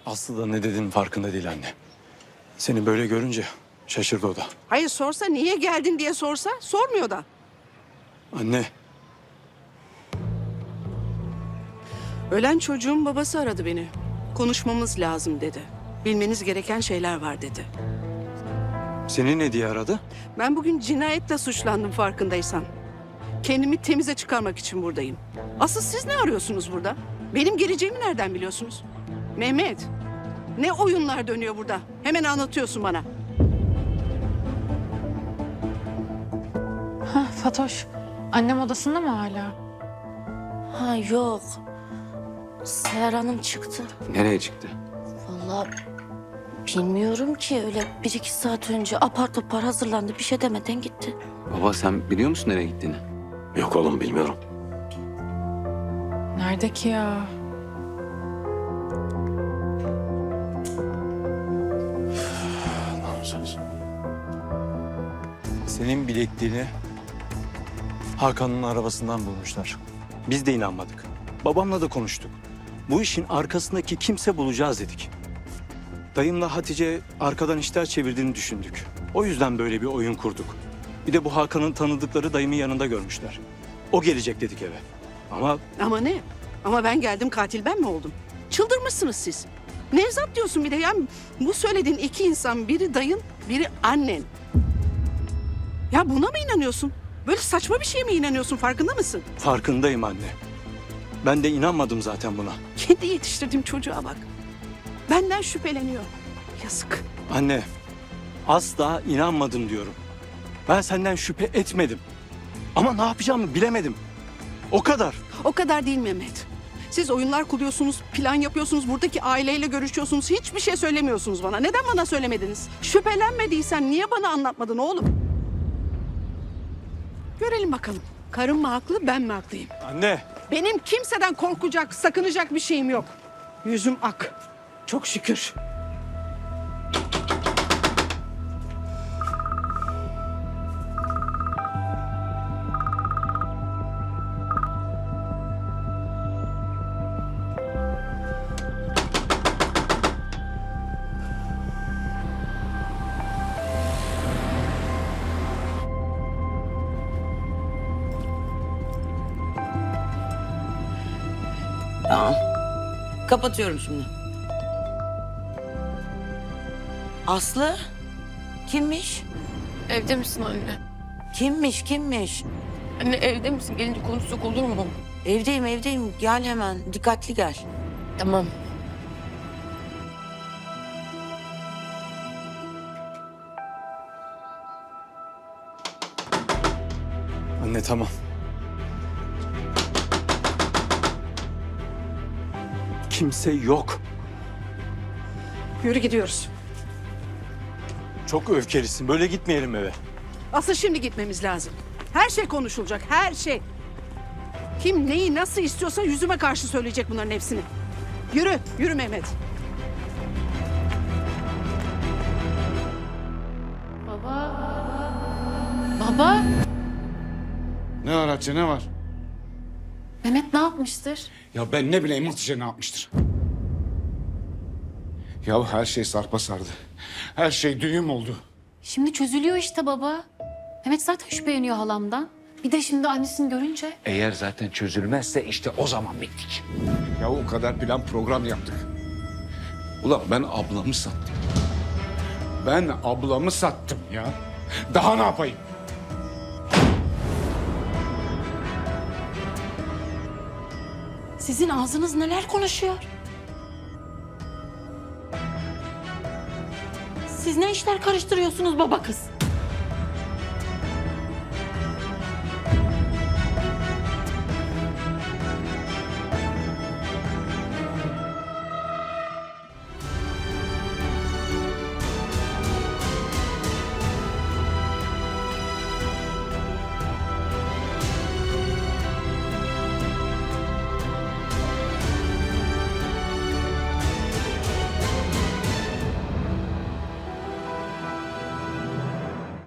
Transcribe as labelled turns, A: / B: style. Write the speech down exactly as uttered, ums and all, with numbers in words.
A: Aslı da ne dediğinin farkında değil anne. Seni böyle görünce şaşırdı o da.
B: Hayır sorsa niye geldin diye sorsa sormuyor da.
A: Anne,
B: Ölen çocuğun babası aradı beni. Konuşmamız lazım dedi. Bilmeniz gereken şeyler var dedi.
A: seni ne diye aradı?
B: Ben bugün cinayetle suçlandım farkındaysan. Kendimi temize çıkarmak için buradayım. Asıl siz ne arıyorsunuz burada? Benim geleceğimi nereden biliyorsunuz? Mehmet, ne oyunlar dönüyor burada? Hemen anlatıyorsun bana.
C: Ha, Fatoş, annem odasında mı hala?
D: Ha yok. Seher Hanım çıktı.
E: Nereye çıktı?
D: Vallahi bilmiyorum ki, öyle bir iki saat önce apar topar hazırlandı, bir şey demeden gitti.
E: Baba sen biliyor musun nereye gittiğini?
A: Yok oğlum, bilmiyorum.
C: Nerede ki ya?
A: Senin bilekliğini Hakan'ın arabasından bulmuşlar. Biz de inanmadık. Babamla da konuştuk. Bu işin arkasındaki kimse bulacağız dedik. Dayımla Hatice arkadan işler çevirdiğini düşündük. O yüzden böyle bir oyun kurduk. Bir de bu Hakan'ın tanıdıkları dayımın yanında görmüşler. O gelecek dedik eve. Ama
B: Ama ne? Ama ben geldim, katil ben mi oldum? Çıldırmışsınız siz. Nevzat diyorsun bir de ya. Bu söylediğin iki insan, biri dayın, biri annen. Ya buna mı inanıyorsun? Böyle saçma bir şeye mi inanıyorsun, farkında mısın?
A: farkındayım anne. Ben de inanmadım zaten buna.
B: Kendi yetiştirdiğim çocuğa bak. Benden şüpheleniyor. Yazık.
A: Anne, asla inanmadım diyorum. Ben senden şüphe etmedim. Ama ne yapacağımı bilemedim. O kadar.
B: O kadar değil Mehmet. Siz oyunlar kuruyorsunuz, plan yapıyorsunuz, buradaki aileyle görüşüyorsunuz. Hiçbir şey söylemiyorsunuz bana. Neden bana söylemediniz? Şüphelenmediysen niye bana anlatmadın oğlum? Görelim bakalım. Karım mı haklı, ben mi haklıyım?
A: Anne.
B: Benim kimseden korkacak, sakınacak bir şeyim yok. Yüzüm ak. Çok şükür.
D: Tamam. Kapatıyorum şimdi. Aslı? Kimmiş?
F: Evde misin anne?
D: Kimmiş, kimmiş?
F: Anne evde misin? Gelince konuşsak olur mu?
D: Evdeyim, evdeyim. Gel hemen. Dikkatli gel.
F: Tamam.
A: Anne tamam. Kimse yok.
B: Yürü gidiyoruz.
A: Çok öfkelisin. Böyle gitmeyelim eve.
B: Asıl şimdi gitmemiz lazım. Her şey konuşulacak, her şey. Kim neyi nasıl istiyorsa yüzüme karşı söyleyecek bunların hepsini. Yürü, yürü Mehmet.
C: Baba. Baba.
G: Ne var Hatice, ne var?
C: Mehmet ne yapmıştır?
G: Ya ben ne bileyim Hatice ne yapmıştır? Ya her şey sarpa sardı. Her şey düğüm oldu.
C: Şimdi çözülüyor işte baba. Mehmet zaten şüpheleniyor halamdan. Bir de şimdi annesini görünce.
G: Eğer zaten çözülmezse işte o zaman bittik. Ya o kadar plan program yaptık. Ulan ben ablamı sattım. Ben ablamı sattım ya. Daha ne yapayım?
C: Sizin ağzınız neler konuşuyor? Siz ne işler karıştırıyorsunuz baba kız?